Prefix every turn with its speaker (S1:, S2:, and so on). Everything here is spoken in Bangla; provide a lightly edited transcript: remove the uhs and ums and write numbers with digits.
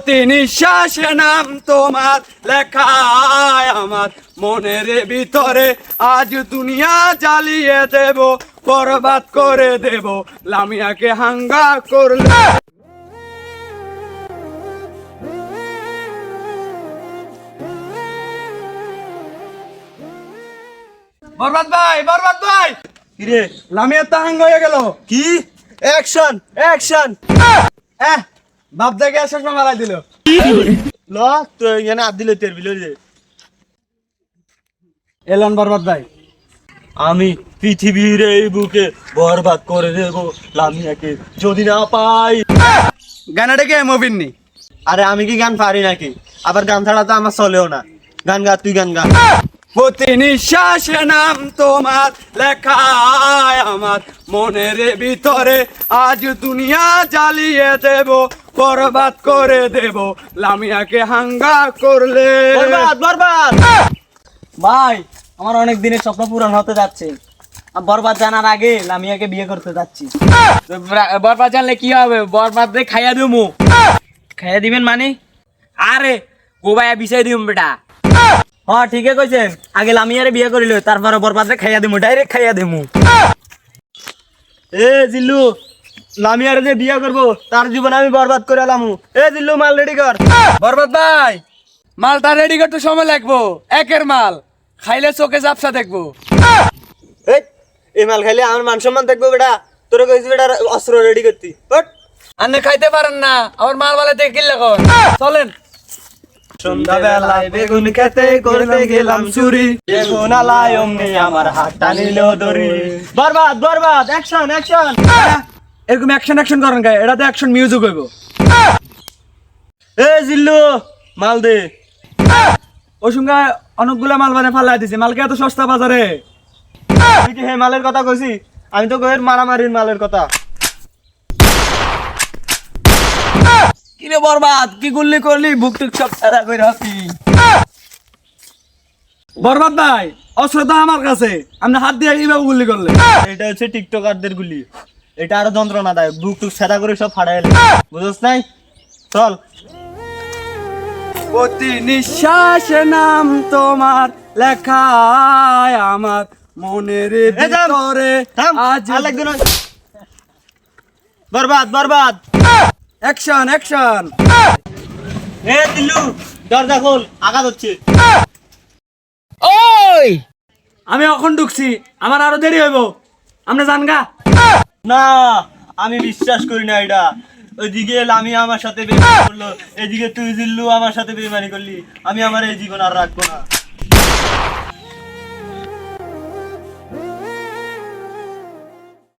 S1: প্রতি নিঃশ্বাসে নাম তোমার লেখায় আমার মনের ভিতরে, আজ দুনিয়া জ্বালিয়ে দেব, বরবাদ করে দেব লামিয়াকে হাঙ্গা করলে। বরবাদ ভাই, বরবাদ ভাই,
S2: কিরে
S1: লামিয়া তো হাঙ্গা হয়ে গেল।
S2: কি অ্যাকশন অ্যাকশন
S1: বাপ দেখে শেষ মারাই দিল।
S2: ল তো এখানে আদ দিলে তের বিলে
S1: এলন বরবাদ ভাই,
S2: আমি পৃথিবীর এই বুকে বরবাদ করে দেব লামিয়াকে যদি না পাই।
S1: গানাটা কে মুভির নি?
S2: আরে আমি কি গান পারি নাকি? আবার গান ছাড়া তো আমার চলেও না। গান গা, তুই গান গা।
S1: প্রতি নিঃশ্বাসে নাম তোমার লেখায় আমার মনের ভিতরে, আজ দুনিয়া জ্বালিয়ে দেব, বরবাদ করে দেব লামিয়াকে হাঙ্গা করলে।
S2: বরবাদ বরবাদ।
S3: ভাই, আমার অনেক দিনের স্বপ্ন পূরণ হতে যাচ্ছে। আমি বরবাদ জানার আগে লামিয়াকে বিয়ে করতে যাচ্ছি। বরবাদ জানলে কি হবে? বরবাদ রে খাইয়া দিমু। খাইয়া দিবেন মানে? আরে গোবায়া বিছাই দিম বেটা। হ্যাঁ ঠিকই কইছেন, আগে লামিয়ারে বিয়ে করিল, তারপরে বরবাদ রে খাইয়া দিমু, ডাইরেক্ট খাইয়া দিমু।
S2: এ জিল্লু, লামিয়ার যে বিয়ে করবো তার জীবন আমি বরবাদ করে এলামু। এ জিল্লু, মাল রেডি কর।
S1: বরবাদ ভাই, মালটা রেডি করতে সময় লাগবো। একের মাল খাইলে চোখে জাপসা দেখবো।
S2: এই মাল খাইলে আমার মান সম্মান দেখবো বেটা। তোরা কইছি বেটা অস্ত্র রেডি করতি। হট।
S1: আপনি খাইতে পারেন না, আমার মাল বালে থেকে কিনলে কর। চলেন।
S2: সন্ধ্যাবেলায় বেগুন খেতে করতে গেলাম চুরি, বেগুন আলায় অমনি আমার হাতটা নিল দড়ি। বরবাদ বরবাদ, অ্যাকশন অ্যাকশন।
S1: এরকম অ্যাকশন অ্যাকশন করেন গায়ে, এটাতে অ্যাকশন মিউজিক হইব।
S2: এ জিল্লু, মাল দে।
S1: ওই সঙ্গে অনেকগুলা মাল বানে ফালাই দিছে, মালকে এত সস্তা বাজারে।
S2: তুই কি হে মালের কথা কইছি? আমি তো কইর মারামারির মালের কথা।
S3: কিরে বরবাদ, কি গুল্লি করলি? বুক টুক সব সারা কইরা হতি।
S1: বরবাদ ভাই, অস্ত্র তো আমার কাছে, আপনি হাত দিয়ে এইভাবে গুলি করলে।
S2: এটা হচ্ছে টিকটকারদের গুলি। এটা আরো যন্ত্রণাদায়ক, বুক টুক সেটা করে সব ফাড়াই। বুঝছ নাই? চল।
S1: প্রতি নিঃশ্বাসে নাম তোমার লেখায় আমার মনের ভিতরে, আজ
S2: বরবাদ বরবাদ।
S1: Action action.
S2: এ দিল্লু, দরজা খোল, আঘাত হচ্ছে।
S3: ওই
S1: আমি এখন ঢুকছি, আমার আরো দেরি হইব, আপনি জান গা।
S2: না, আমি বিশ্বাস করি না এটা। ওইদিকে লামি আমার সাথে বেইমানি করলো, এদিকে তুই জিল্লু আমার সাথে বেইমানি করলি। আমি আমার এই জীবন আর রাখবো না।